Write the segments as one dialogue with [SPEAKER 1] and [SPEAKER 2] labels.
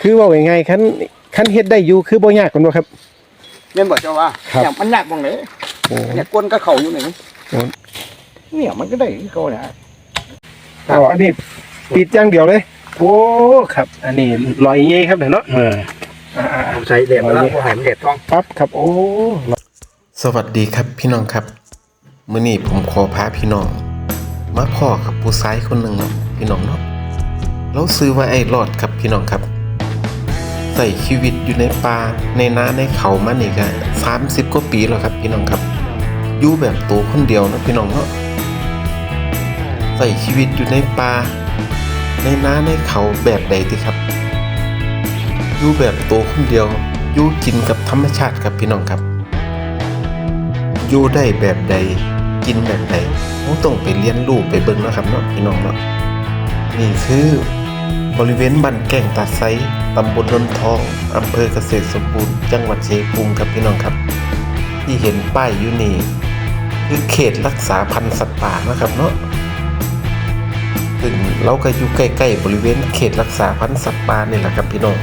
[SPEAKER 1] คือว่ายังไงคันเฮ็ดได้อยู่คือบ่ยากกันบ่ครับ
[SPEAKER 2] แม่นบ่เจ้าว่าอย่างมันยากตรงไหนเนี่ยก้นก็เข่าอยู่ไหนเนี่ยมันก็ได้เขาเนี่ย
[SPEAKER 1] อันนี้ปิดอย่างเดียวเลยโอ้ครับอันนี้ลอยเงี้ยครับเนาะ
[SPEAKER 2] ผมใช้เด็ดแล้วผมให้มันเด็ดต้อง
[SPEAKER 1] ปั๊บครับโอ้
[SPEAKER 3] สวัสดีครับพี่น้องครับมื้อนี้ผมขอพาพี่น้องมาพ่อกับผู้ชายคนหนึ่งเนาะพี่น้องเนาะเราซื้อว่าไอ้รอดครับพี่น้องครับใส่ชีวิตอยู่ในป่าในนาในเขามานี่ก็30 กว่าปีแล้วครับพี่น้องครับอยู่แบบตัวคนเดียวนะพี่น้องเนาะใส่ชีวิตอยู่ในป่าในนาในเขาแบบใดดีครับอยู่แบบตัวคนเดียวอยู่กินกับธรรมชาติครับพี่น้องครับอยู่ได้แบบใดกินแบบใดต้องไปเรียนรู้ไปเบิ่งนะครับเนาะพี่น้องเนาะนี่คือบริเวณบ้านแก่งตาไซตำบลนนทองอำเภอเกษตรสมบูรณ์จังหวัดชัยภูมิครับพี่น้องครับที่เห็นป้ายอยู่นี่คือเขตรักษาพันธุ์สัตว์ป่านะครับเนาะซึ่งเราก็อยู่ใกล้ๆบริเวณเขตรักษาพันธุ์สัตว์ป่านี่แหละครับพี่น้อง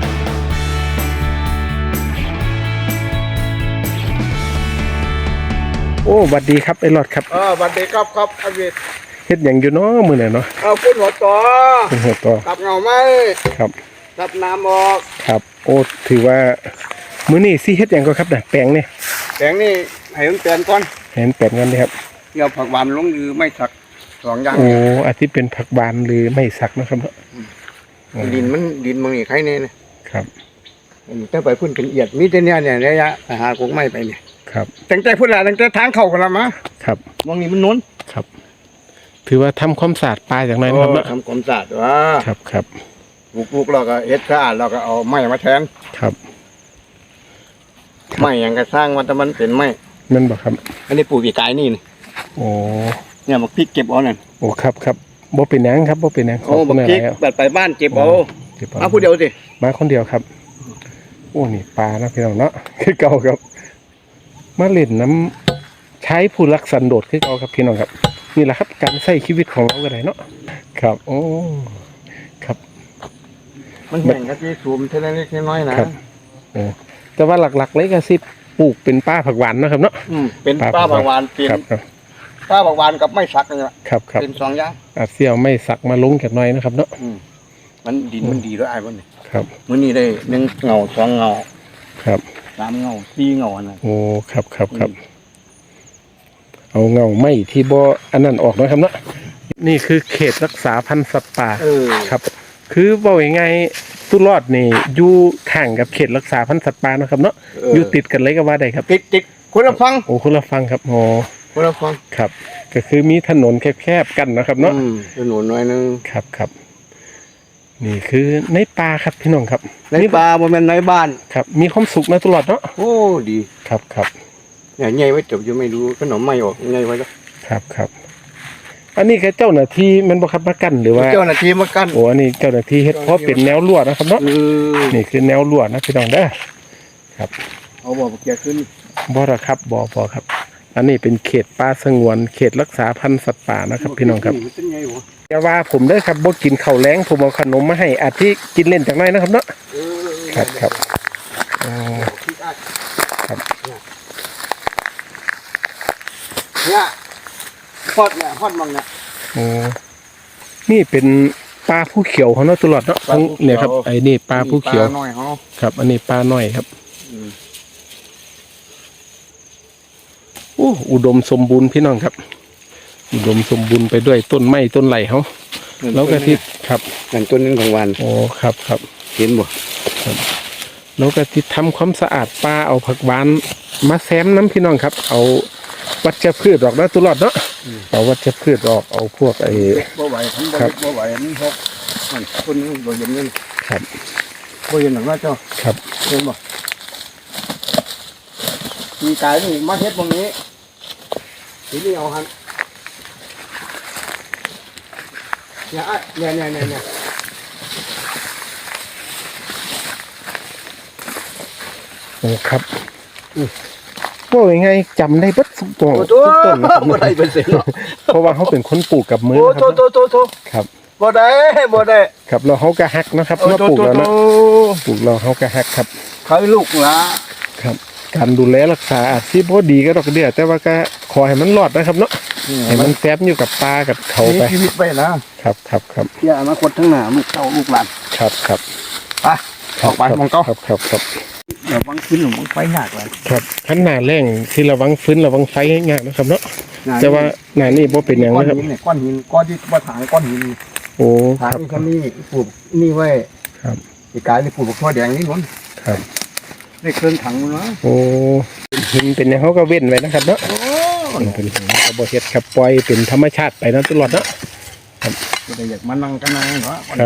[SPEAKER 1] โอ้สวัสดีครับไอ้หลอดครับ
[SPEAKER 2] สวัสดีครับอวิทย์
[SPEAKER 1] เฮ็ดหยังอยู่เนาะมื้อนี้เนาะ
[SPEAKER 2] พุ่นหัวต่อ
[SPEAKER 1] พุ่นหัวต่อ
[SPEAKER 2] ตับเงาไหม
[SPEAKER 1] ครับ
[SPEAKER 2] ตับน้ำออก
[SPEAKER 1] ครับโอ้ถือว่ามื้อนี้สิเฮ็ดหยังก็ครับน่ะแปลงนี่
[SPEAKER 2] ให้มันเปลี่ยนก่อน
[SPEAKER 1] ให้มันแปลงกันนี่ครับ
[SPEAKER 2] เกี่ยวผักหวานลงหรือไม่สัก2อย่าง
[SPEAKER 1] โอ้อาทิตย์เป็นผักหวานหรือไม่สักนะครับ
[SPEAKER 2] ดินมันนี่ใครเนี่ยนะครับแต่ไปพุ่นเป็นเอียดมีแต่เนี่ยระยะไปหากงไม้ไปเนี่ย
[SPEAKER 1] ครับ
[SPEAKER 2] ตั้งแต่พุ่นละตั้งแต่ทางเข้ากันละมา
[SPEAKER 1] ครับ
[SPEAKER 2] มองนี่มันน้น
[SPEAKER 1] ครับถือว่าทำความสะอาดปลาอย่างไรนะครับ
[SPEAKER 2] ทำความสะอาดว่า
[SPEAKER 1] ครับ
[SPEAKER 2] ปลูกเราก็เฮ็ดสะอาดเราก็เอาไม้มาแทน
[SPEAKER 1] ครับ
[SPEAKER 2] ไม้อย่างก็สร้างมันแต่มันเป็นไม้
[SPEAKER 1] นั่นบ่ครับ
[SPEAKER 2] อันนี้ปลูกปีกายนี่
[SPEAKER 1] โอ้
[SPEAKER 2] เนี่ยมันพริกเก็บเอานั่น
[SPEAKER 1] โอ้ครับบ่เป็นหยังครับบ่เป็นหยัง
[SPEAKER 2] โอ้บักพริกแบบไปบ้านเก็บเอามาผู้เดียวสิ
[SPEAKER 1] มาคนเดียวครับโอ้นี่ปลานะพี่น้องเนาะคือเก่าครับมาเล่นน้ำใช้ผู้รักสันโดษคือเก่าครับพี่น้องครับนี่แหละครับการใช้ชีวิตของเราก็ได้เนาะครับโอ้ครับ
[SPEAKER 2] มันแห่งกะทิสูมเท่านั้นเล็กน้อยนะครับ
[SPEAKER 1] แต่ว่าหลักๆเลยก็สิปลูกเป็นป้าผักหวานนะครับเนาะ
[SPEAKER 2] เป็นป้าผักหวานเป็นป้าผักหวานกับไม่สักนี่แหละ
[SPEAKER 1] ครับ
[SPEAKER 2] เป็น2อย่าง
[SPEAKER 1] เสี่ยวไม่สักมาลงแค่น้อยนะครับเนาะ
[SPEAKER 2] มันดินมันดีด้วยไอ้บ่นี่
[SPEAKER 1] ครับ
[SPEAKER 2] มื้อนี้ได้1เงา2เงา
[SPEAKER 1] ครับ
[SPEAKER 2] 3เงา4เงาน่ะ
[SPEAKER 1] โอ้ครับเอาเงาไม้ที่บ่อันนั้นออกนะครับเนาะนี่คือเขตรักษาพันธุ์สัตว์ป่าครับคือบอกยังไงตุลอดนี่อยู่ข้างกับเขตรักษาพันธุ์สัตว์ป่านะครับเนาะอยู่ติดกันเลยก็ว่าได้ครับ
[SPEAKER 2] ติดคนละฟัง
[SPEAKER 1] โอ้คนละฟังครับโอ้
[SPEAKER 2] คนละฟัง
[SPEAKER 1] ครับก็คือมีถนนแคบๆกันนะครับเนาะ
[SPEAKER 2] ถนนน้อยนึง
[SPEAKER 1] ครับนี่คือในป่าครับพี่น้องครับ
[SPEAKER 2] ในป่าบ่แม่นในบ้าน
[SPEAKER 1] ครับมีความสุขนะตลอดเนาะ
[SPEAKER 2] โอ้ดี
[SPEAKER 1] ครับ
[SPEAKER 2] เนี่ยใหญ่ไว้จบยังไม่รู้ขนมไม่ออกใหญ่ไว้แล้ว
[SPEAKER 1] ครับอันนี้แค่เจ้าหน้าที่มันบ่ครับมากั้นหรือว่า
[SPEAKER 2] เจ้าหน้าที่มากั้น
[SPEAKER 1] โอ้อันนี้เจ้าหน้าที่เฮ็ดเพราะเป็นแนวรั้วนะครับเนาะนี่คือแนวรั้วนะพี่น้องเด้อครับ
[SPEAKER 2] เอาบ่เกี่ยขึ้น
[SPEAKER 1] บ่ล่ะครับบ่ครับอันนี้เป็นเขตป่าสงวนเขตรักษาพันธุ์สัตว์ป่านะครับพี่น้องครับอย่าว่าผมเด้อครับบ่กินข้าวแลงผมเอาขนมมาให้อาทิกินเล่นจักหน่อยนะครับเนาะครับครับ
[SPEAKER 2] เนี่ยฮอดมังเนี่ย
[SPEAKER 1] โอ้นี่เป็นปลาผู้เขียวเขาเนาะตลอดเนาะเนี่ยครับไอ้นี่ปลาผู้เขียวครับอันนี้ปลาน้อยครับโอ้อุดมสมบูรณ์พี่น้องครับอุดมสมบูรณ์ไปด้วยต้นไม้ต้นไหลเขาแล้วก็ที่ครับ
[SPEAKER 2] นั่นต้นนึงของวัน
[SPEAKER 1] โอ้ครับ
[SPEAKER 2] เห็นบ่
[SPEAKER 1] ครับแล้วก็ที่ทำความสะอาดปลาเอาผักหวานมาแซมน้ำพี่น้องครับเอาวัชพืชออกนะตลอดเนาะเอาวัชพืชออกเอาพวกไอ้
[SPEAKER 2] บ่ไหวทั้งบ่ไหวนี่พวกมันคนนึงบ่เห็นนี่
[SPEAKER 1] ครับ
[SPEAKER 2] บ่เห็นหรอกว่าเจ้า
[SPEAKER 1] ครับ
[SPEAKER 2] เห็นบ่มีกายนี่มาเฮ็ดตรงนี้ทีนี้เอาหันเนี่ย
[SPEAKER 1] โอ้ครับว่ายังไงจำได้บัดทุกต้น
[SPEAKER 2] บ่ได้เป็นเสียง
[SPEAKER 1] เพราะว่าเขาเป็นคนปลูกกับมือ
[SPEAKER 2] ครับ
[SPEAKER 1] ครับ
[SPEAKER 2] บ่ได้
[SPEAKER 1] ครับเราเขาก็ฮักนะครับเมื่อปลูกแล้วนะปลูกเราเขาก็ฮักครับ
[SPEAKER 2] เขาลูกหละ
[SPEAKER 1] ครับ การดูแลรักษาอาจสิบ่ดีก็ดอกเดียวแต่ว่าก็ขอให้มันรอดนะครับเนาะให้มันแฝงอยู่กับปลากับเขาไป
[SPEAKER 2] มีชีวิตไปนะครับ เพื่ออนาคตข้างหน้าลูกเต้าลูกหลาน
[SPEAKER 1] ครับครับ
[SPEAKER 2] ไปออกไปมองเก้า
[SPEAKER 1] ครับ
[SPEAKER 2] เดี๋ยวบังขึ้นหรือบังไฟยากเลย
[SPEAKER 1] ครับขั้นหน้าแรงที่ระวังฟื้นระวังไฟง่ายๆนะครับเนาะแต่ว่าหน้านี่บ่เป็นอย่าง
[SPEAKER 2] ก้อน
[SPEAKER 1] นะครับ
[SPEAKER 2] หินเนี่ยก้อนหินก้อนที่ว่าถางก้อนหิน
[SPEAKER 1] โอ้ค
[SPEAKER 2] ถาง
[SPEAKER 1] รับ
[SPEAKER 2] นี่เขานี่ปลูกนี่ไว้
[SPEAKER 1] ครับ
[SPEAKER 2] อีกกายนี่ปลูกทั่วแดงนี่น้น
[SPEAKER 1] ครับ
[SPEAKER 2] ได้เครื่องถังนะ
[SPEAKER 1] โอ้หินเป็นอย่างเขาก็เว้นไว้นะครับเนาะ
[SPEAKER 2] โอ้
[SPEAKER 1] เป็นหินเขาบ่เฮ็ดครับปล่อยเป็นธรรมชาติไปนะตลอดเนาะ
[SPEAKER 2] ก็ได้อยากมานั่งกันนั่งเหรอ
[SPEAKER 1] ครับ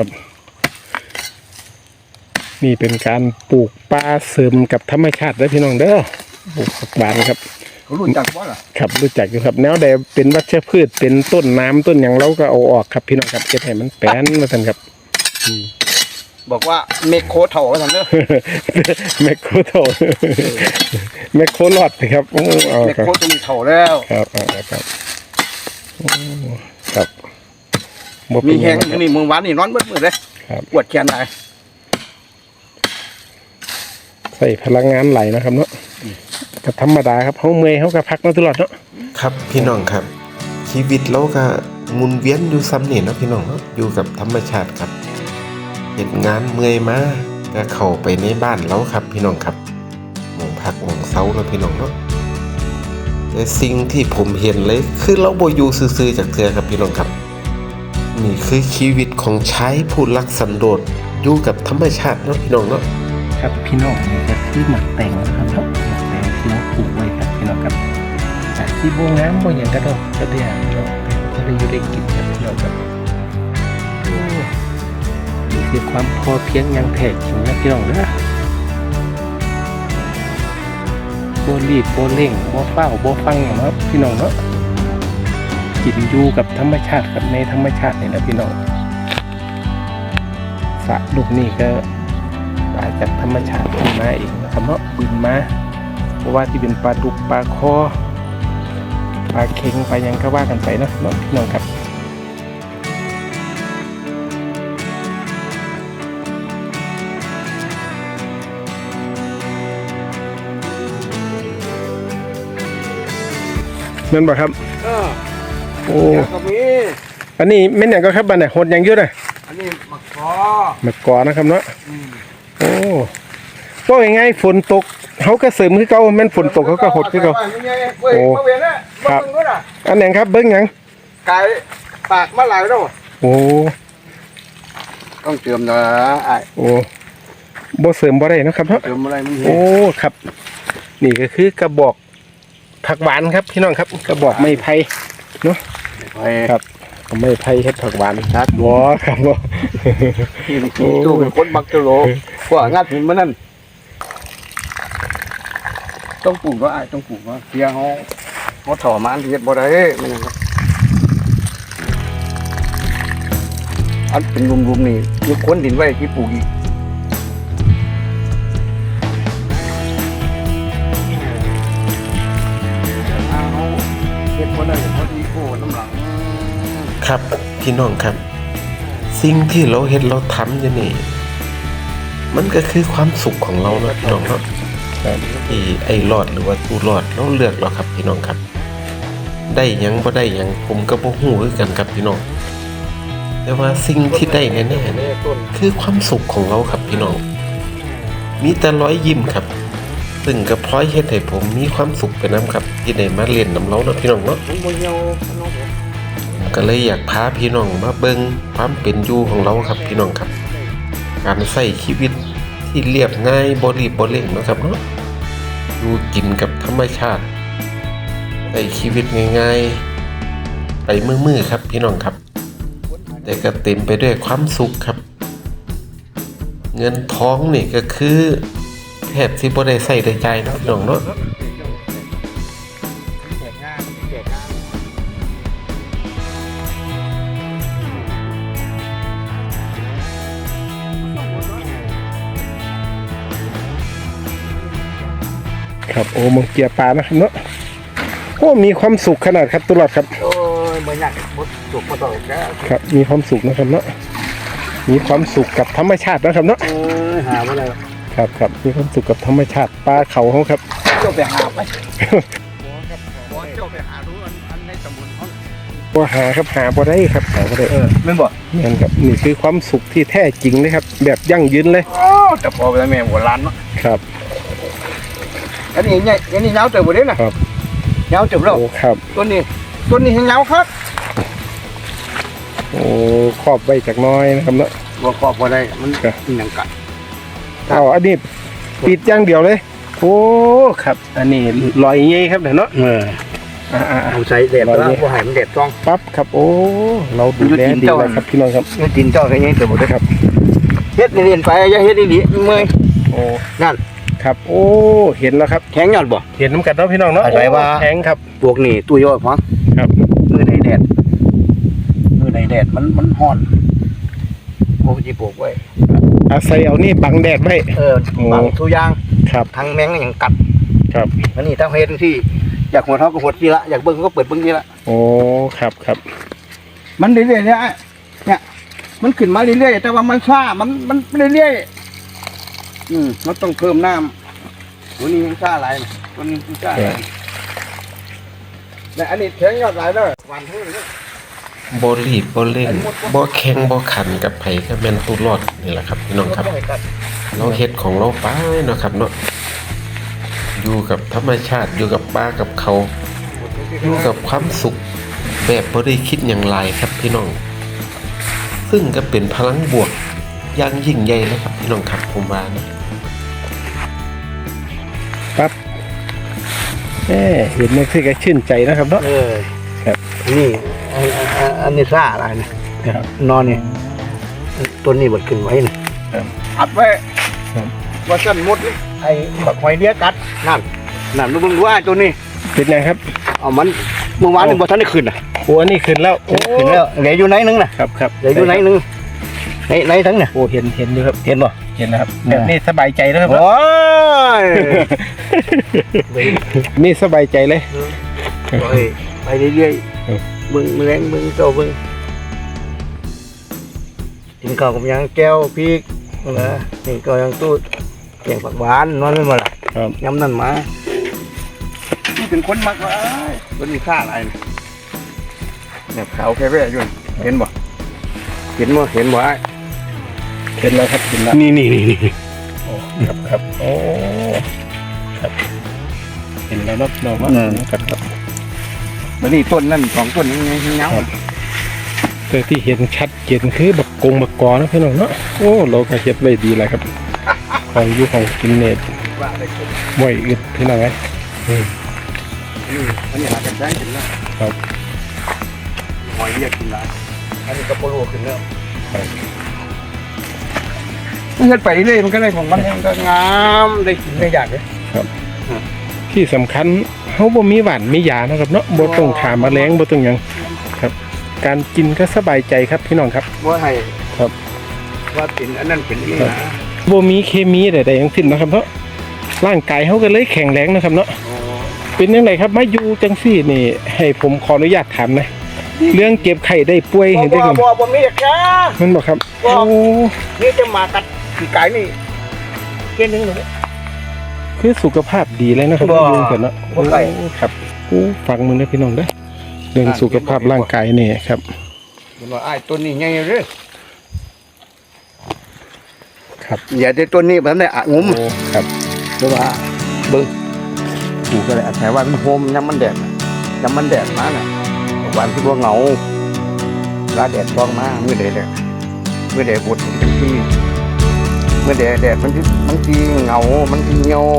[SPEAKER 1] นี่เป็นการปลูกปลาเสริมกับธรรมชาติเด้อพี่น้องเด้อปลูกผักหวานครับ
[SPEAKER 2] เขารู้จักว่าล่ะ
[SPEAKER 1] ครับรู้จักอยู่ครับแนวใดเป็นวัชพืชเป็นต้นน้ำต้นอย่างเราก็เอาออกครับพี่น้องครับเก็บให้มันแป้นมาทันครับ
[SPEAKER 2] บอกว่าเมคโคเถ่าว่าซั่นเด้อ
[SPEAKER 1] แมคโครโตแมคโครลอดสิครับโอ้เอา
[SPEAKER 2] เมค
[SPEAKER 1] ครับ
[SPEAKER 2] โคจะมีเถ่าแล้ว
[SPEAKER 1] ครับเอาครับโอ้ครับบ่
[SPEAKER 2] มี
[SPEAKER 1] เป็นห
[SPEAKER 2] แห้
[SPEAKER 1] ยัง งครับ
[SPEAKER 2] นี่มึงหวานนี่นอนเบิดมื้อเลย
[SPEAKER 1] ครับ
[SPEAKER 2] ปวดแขนได้
[SPEAKER 1] ใส่พลังงานไหลนะครับเนาะก็ธรรมดาครับเขาเมื่อยเขาก็พักมาตลอดเนาะ
[SPEAKER 3] ครับพี่น้องครับ ชีวิตเราก็หมุนเวียนอยู่ซ้ำนี่เนาะพี่น้องเนาะอยู่กับธรรมชาติครับเฮ็ดงานเมื่อยมาก็เข้าไปในบ้านเราครับพี่น้องครับหมองพักหมองเซาเนาะพี่น้องเนาะแต่สิ่งที่ผมเห็นเลยคือเราบ่อยู่ซื่อๆจากเทื่อครับพี่น้องครับนี่คือชีวิตของชายผู้รักสันโดษอยู่กับธรรมชาติเนาะพี่น้องเนาะ
[SPEAKER 1] ครับพี่น้องนี่ก็คือหมักแตงนะครับเนาะหมักแตงที่เราปลูกไว้ครับพี่น้องครับจากที่โบงน้ำโบอย่างกระดอกกระเดียเนาะก็ได้อยู่ได้กินครับพี่น้องครับโอ้นี่คือความพอเพียงอย่างแท้จริงนะพี่น้องเด้อโบรีบโบเร่งโบเฝ้าโบฟังเนาะพี่น้องเนาะกินอยู่กับธรรมชาติกับในธรรมชาตินี่นะพี่น้องสระลูกนี่ก็มาจากธรรมชาติขึ้นมาเองนะครับเนาะบินมาเพราะว่าที่เป็นปลาดุกปลาคอปลาเค็งปลายังก็ว่ากันไปเนาะพี่น้องครับนั่นบ่ครับโอ้
[SPEAKER 2] เดี๋ยวก็มี
[SPEAKER 1] อันนี้แม่นอย่างก็ครับบันเนี่ยหดอย่างเยอะเลย
[SPEAKER 2] อันนี้มะกอ
[SPEAKER 1] มากอนะครับเนาะโอ้ก็ยังไงฝนตกเขาก็เสริมคือเก่าแม่นฝนตกเขาก็หดคือเก่า
[SPEAKER 2] โอ้มาเวียนนะ
[SPEAKER 1] ครับ
[SPEAKER 2] มาเบิ่งด้วยน่ะ
[SPEAKER 1] อันไหนครับเบิ้งหยัง
[SPEAKER 2] ไก่ปากมาหลายแล้ว
[SPEAKER 1] โอ้
[SPEAKER 2] ต้องเติมนะไอ้
[SPEAKER 1] โอ้บ่เสริมบ่ได้เนาะครับเนาะ
[SPEAKER 2] เติมอะไรมัน
[SPEAKER 1] โอ้ครับ นี่ก็คือกระบอกผักหวานครับพี่น้องครับ กระบอกไม้ไผ่เนาะ
[SPEAKER 2] ไป
[SPEAKER 1] ครับไม้ไผ่เฮ็ดผักหวานครับบ่ครับบ่
[SPEAKER 2] ตู้เป็นคนบักตะโลกว่างาถึงมันนั่นต้องปลูกก็ไอ้ต้องปลูกก็เพียงเขาถอมันเฮ็ดบ่ได้มันนั่นอันเป็นรุมๆนี่ยกคนดินไว้ที่ปลูกอีกเฮ็ดบ่ได้พอดีโอ้น้ำหลัง
[SPEAKER 3] ครับพี่น้องครับ สิ่งที่เราเห็นเราทำอยู่นี่มันก็คือความสุขของเราเนาะพี่น้องเนาะที่ไอ้รอดหรือว่าตูรอดเราเลือกเราครับพี่น้องครับ ได้หยังบ่ได้หยังผมก็บ่ฮู้คือกันครับพี่น้องแต่ว่าสิ่งที่ได้แน่ๆเนี่ยคือความสุขของเราครับพี่น้องมีแต่รอยยิ้มครับ ซึ่งก็พลอยเฮ็ดให้ผมมีความสุขไปนํครับที่ได้มาเล่นนํเราเนาะพี่น้องเนาะ
[SPEAKER 2] มันบ่เหี่ยวน้องเด้อ
[SPEAKER 3] ก็เลยอยากพาพี่น้องมาเบิ่งความเป็นอยู่ของเราครับพี่น้องครับ การใช้ชีวิตที่เรียบง่ายบ่รีบบ่เร่งเนาะครับเนาะอยู่กินกับธรรมชาติใช้ชีวิตง่ายๆไปมื้อๆครับพี่น้องครับ แต่ก็เต็มไปด้วยความสุขครับ เงินทองนี่ก็คือแทบสิบ่ได้ใช้ได้จ่ายเนาะพี่น้องเนาะ
[SPEAKER 1] ครับโอ้มองเกียร์ปลานะครับเนาะโอ้มีความสุขขนาดครับตลอดครับ
[SPEAKER 2] โอ้ยบ่ยากบ่สุกบ่ต่อแก
[SPEAKER 1] ครับมีความสุขนะครับเนาะมีความสุขกับธรรมชาตินะครับเนาะ
[SPEAKER 2] หาบ่ได้
[SPEAKER 1] ครับมีความสุขกับธรรมชาติปลาเขาเขาครับ
[SPEAKER 2] เจ้าไปหาไปบ่เจ้าไปหาดูอันในตำบลเขา
[SPEAKER 1] บ่หาครับหาบ่ได้ครับหาบ่ได้
[SPEAKER 2] แม่นบ่
[SPEAKER 1] นี่นครับนี่คือความสุขที่แท้จริงเลยครับ แบบยั่งยืนเลย
[SPEAKER 2] แต่พอไปแล้วแม่โบราณเนาะ
[SPEAKER 1] ครับ
[SPEAKER 2] อันนี้ใหญ่อันนี้ยาวเติบบ่ได้น่ะ
[SPEAKER 1] ครับ
[SPEAKER 2] ยาวเติบแล้ว
[SPEAKER 1] โอ้ครับ
[SPEAKER 2] ต้นนี้ให้ยาวครับ
[SPEAKER 1] โอ้ครอบไว้จากหน้อยนะครับเนาะ
[SPEAKER 2] บ่ครอบบ่ได้มันหยังกัด
[SPEAKER 1] เอาอันนี้ปิดอย่างเดียวเลยโอ้ครับอันนี้ลอยเงี้ยครับเนาะ
[SPEAKER 2] เอาใส่แดดแล้วบ่ให้มันแดดต้อง
[SPEAKER 1] ปั๊บครับโอ้เราดูแลดีเลยครับพี่น้องครับ
[SPEAKER 2] ดินเจ้าก็ยังเติบบ่ได้ครับเฮ็ดเรียนไปอย่าเฮ็ดอีหลีเมื่อย
[SPEAKER 1] โอ้
[SPEAKER 2] นั่น
[SPEAKER 1] ครับโอ้เห็นแล้วครับ
[SPEAKER 2] แข็งยอดบ่
[SPEAKER 1] เห็นน้ำกัดเนาะพี่น้องเนาะ
[SPEAKER 2] อะไรวะ
[SPEAKER 1] แข็งครับ
[SPEAKER 2] พวกนี้ตัวยอดฟัง
[SPEAKER 1] ครับ
[SPEAKER 2] มือในแดดมันร้อนโอ้สิปลูกไว้
[SPEAKER 1] อาศัยเอานี่บังแดดไว้
[SPEAKER 2] บางทุกอย่าง
[SPEAKER 1] ครับ
[SPEAKER 2] ทางแมงอย่างกัด
[SPEAKER 1] ครับ
[SPEAKER 2] อันนี้ถ้าเฮ็ดที่อยากหัวเท้าก็หัวทีละอยากเบิ่งก็เปิดเบิ่งทีละ
[SPEAKER 1] โอ้ครับ
[SPEAKER 2] มันเรื่อยๆเนี่ยมันขึ้นมาเรื่อยๆแต่ว่ามันช้ามันเรื่อยๆมันต้องเพิ่มน้ำตัวนี้มันช้าหลายนะตัวนี้มันช้าหลายแต่อันนี้แข็งยอดหลายแล้วหวานทั้งนี้
[SPEAKER 3] บ่รีบบ่เร่งบ่แข่งบ่ขันกับไผก็แม่นผู้รอดนี่แหละครับพี่น้องครับ เราเฮ็ดของเราไปเนาะครับเนาะอยู่กับธรรมชาติอยู่กับป่ากับเขาอยู่กับความสุขแบบบ่ได้คิดอย่างไรครับพี่น้อง ซึ่งก็เป็นพลังบวกอย่างยิ่งใหญ่เลยครับพี่น้องครับผมว่านะ
[SPEAKER 1] ปั๊บเห็นนี่คือก็ชื่นใจนะครับเนาะ ครับ
[SPEAKER 2] นี่อันนี้ซ่าอะไรนะครับ นอนนี่ต้นนี้บดขึ้นไว้นะครับ อัดไว้
[SPEAKER 1] ครับ
[SPEAKER 2] ว่าสั้นหมดเลยไอ้บักหอยเลี้ยกัดนั่นลูกมึงดูว่าตัวนี้
[SPEAKER 1] เป็นไงครับ
[SPEAKER 2] เอามันเมื่อวานนี่บ่ทันได้ขึ้นน่ะ
[SPEAKER 1] โอ้อันนี้ขึ้นแล้วโอ้
[SPEAKER 2] ขึ้นแล้วเหลืออยู่ไหนนึงน่ะ
[SPEAKER 1] ครับ
[SPEAKER 2] เหลืออยู่ไหนนึงไหนทั้งเนี่ย
[SPEAKER 1] โอ้เห็นอยู่ครับ
[SPEAKER 2] เห็นบ่
[SPEAKER 1] เห็นแล้วครับแบบนี้สบายใจแล้วครับ
[SPEAKER 2] โอ้ย
[SPEAKER 1] นี่สบายใจเลย
[SPEAKER 2] ไปเรื่อย
[SPEAKER 1] ครับ
[SPEAKER 2] ๆเบิ่งแรงเบิ่งโตเบิ่งกินข้าวกับหยังแก้วพริกนะนี่ก็ยังตู้แกงผักหวานนอนไม่มาล่ะ
[SPEAKER 1] ครับ
[SPEAKER 2] ยำนั่นมานี่เป็นคนมักว่าคนมีค่าอะไรเนี่ยขาวแค่แว่อยู่เห็นบ่ไอ้
[SPEAKER 1] เห็นแล้วครับเห็นแล้ว
[SPEAKER 2] นี่
[SPEAKER 1] โอ้ครับโอ้ครับเห็นแล้วเนาะน้องว่าครับ
[SPEAKER 2] มันนี่ต้นนั่นสองต้นยังเงา
[SPEAKER 1] แต่ที่เห็นชัดเจนคือบักกงบักกอนะพี่น้องเนาะโอ้เราก็เฮ็ดไว้ดีเลยครับของอยู่ของกินเนต
[SPEAKER 2] ว่าอะไรขึ้น
[SPEAKER 1] บ่อยอึดพี่น้องไง
[SPEAKER 2] อันนี้หากันได้ขึ้นแล้ว
[SPEAKER 1] ครับ
[SPEAKER 2] หอยเรียกขึ้นแล้วอันนี้ก็โปโลขึ้นแล้วมันเฮ็ดไปเรื่อยมันก็ได้ของมันก็งามได้กินได้อยากเลย
[SPEAKER 1] ที่สำคัญเขาบ่มีหวานมียานะครับเนาะบ่ต้องขาแมลงบ่ต้องหยังครับ การกินก็สบายใจครับพี่น้องครับ
[SPEAKER 2] ว่าให้
[SPEAKER 1] ครับ
[SPEAKER 2] ว่าเป็นอันนั้นเป็นนี่นะ
[SPEAKER 1] บ่มีเคมีใดๆทั้งสิ้นนะครับเนาะร่างกายเขาก็เลยแข็งแรงนะครับเนาะเป็นยังไงครับมาอยู่จังซี่นี่ ให้ผมขออนุญาตถามนะเรื่องเก็บไข่ได้ป่วยเห็นได้กัน
[SPEAKER 2] บ่มีแค่
[SPEAKER 1] มันบอกครับ
[SPEAKER 2] บ่
[SPEAKER 1] โอ้
[SPEAKER 2] นี่จะมากัดขี้ไก่นี่เกินนึงเลย
[SPEAKER 1] คือสุขภาพดีเลยนะครับ
[SPEAKER 2] บ่
[SPEAKER 1] ยุ่งกันเนาะ
[SPEAKER 2] บ่ไกล
[SPEAKER 1] โอ้ครับโอ้ฟังมึงนะพี่น้องเด้อเรื่องสุขภาพร่างกายนี่ครับ
[SPEAKER 2] มันว่าไอ้ต้นนี้ใหญ่เด้อ
[SPEAKER 1] ครับ
[SPEAKER 2] อย่าได้ต้นนี้มันได้อะงุ้ม
[SPEAKER 1] โอ้ครับ
[SPEAKER 2] เพราะว่าเบิ่งกูก็เลยอาศัยว่ามันโฮมยามมันแดดมาน่ะวันที่ว่าเหงาลาแดดต้องมามื้อใดแดดบดมันทีเมื่อแดดมันทีเหงามันทีเหี่ยว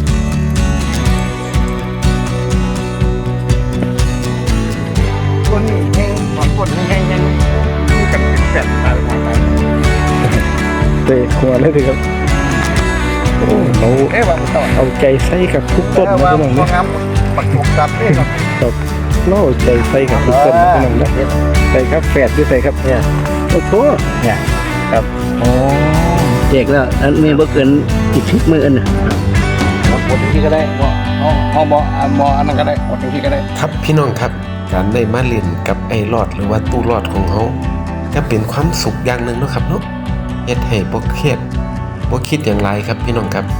[SPEAKER 2] ต้นนี้แห้งต้นนี้แห้งอยู่กันเป็นแปดอะไรมาไป
[SPEAKER 1] เตะหัวเลยทีครับโอ้เรา
[SPEAKER 2] ว่ามันต่อ
[SPEAKER 1] เอาใจใส่กับทุกต้นนะพี่น้อง
[SPEAKER 2] ว่า
[SPEAKER 1] นะ
[SPEAKER 2] งามปักถูกตัดนี่ครับ
[SPEAKER 1] ครับเราเอาใจใส่กับทุกต้นนะพี่น้องนะใส่ครับแฝดด้วยใส่ครับ
[SPEAKER 2] เนี่ย
[SPEAKER 1] โอ้โห
[SPEAKER 2] เนี่ย
[SPEAKER 1] ครับอ๋อ
[SPEAKER 2] เด็กแล้วอันนี้บ่เกิน10มื้อน่ะหมดที่ก็ได้บ่เอาบ่อันนั้นก็ได้หมดที่ก็ได้
[SPEAKER 3] ครับพี่น้องครับการได้มาเล่นกับไออ้รอดหรือว่าตู้รอดของเขาก็เป็นความสุขอย่างหนึ่งเนาะครับเนาะเฮ็ดให้บ่เครียดบ่คิดอย่างไรครับพี่น้องครับ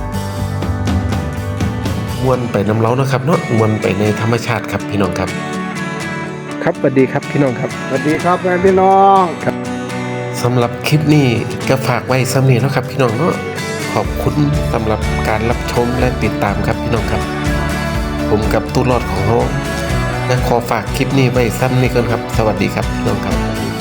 [SPEAKER 3] ม่วนไปน้ำเล้าเนาะครับเนาะม่วนไปในธรรมชาติครับพี่น้องครับ
[SPEAKER 1] ครับสวัสดีครับพี่น้องครับ
[SPEAKER 2] สวัสดีครับแม่พี่น้อง
[SPEAKER 3] สำหรับคลิปนี้ก็ฝากไว้ซ้ำนี้เนาะครับพี่น้องเนาะขอบคุณสำหรับการรับชมและติดตามครับพี่น้องครับ ผมกับตู้รอดของเราและขอฝากคลิปนี้ไว้ซ้ำนี้ก่อนครับ สวัสดีครับพี่น้องครับ